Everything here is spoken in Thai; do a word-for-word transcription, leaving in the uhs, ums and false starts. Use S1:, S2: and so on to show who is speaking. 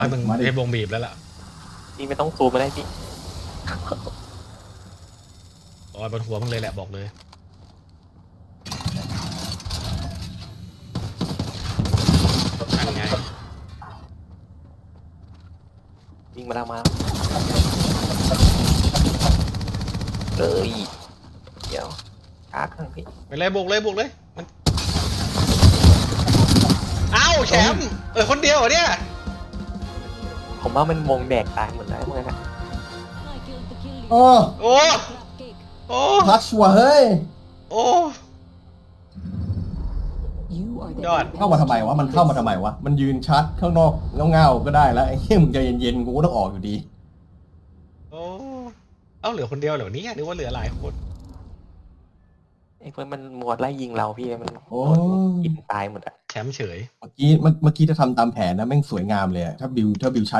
S1: ไอ้มึงไอ้วงบีบแล้วล่ะ
S2: พี่ไม่ต้องซูมมาได้พี่
S1: อ๋อบนหัวมึงเลยแหละบอกเลยนั่นไง
S2: วิ่งมาแล้วมาเลยเดี๋ยวช้าข้างพี่
S1: ไปเลยบุกเลยบุกเลยมันเอ้าแชมป์เออคนเดียวเหรอเนี่ย
S2: ผมว่ามันวงแดกตายหมดแล้วเมื่อกี้
S3: โอ้
S1: โอ้โอ้
S3: พัชว่ะเฮ้ย
S1: โอ้ยอด
S3: เข้ามาทำไมวะมันเข้ามาทำไมวะมันยืนชัดข้างนอกเงาๆก็ได้แล้วไอ้เหี้ยมึงใจเย็นๆกูก็ต้องออกอยู่ดี
S1: โอ้เอ้าเหลือคนเดียวเหรอเนี่ยนึกว่าเหลือหลายคน
S2: ไอ้เพื่อนมันหมวดไล่ยิงเราพี่มัน
S3: โอ้
S2: กินตายหมดอะ
S1: แชมป์เฉย
S3: เมื่อกี้เมื่อเมื่อกี้จะทำตามแผนนะแม่งสวยงามเลยอะถ้าบิวถ้าบิวชัด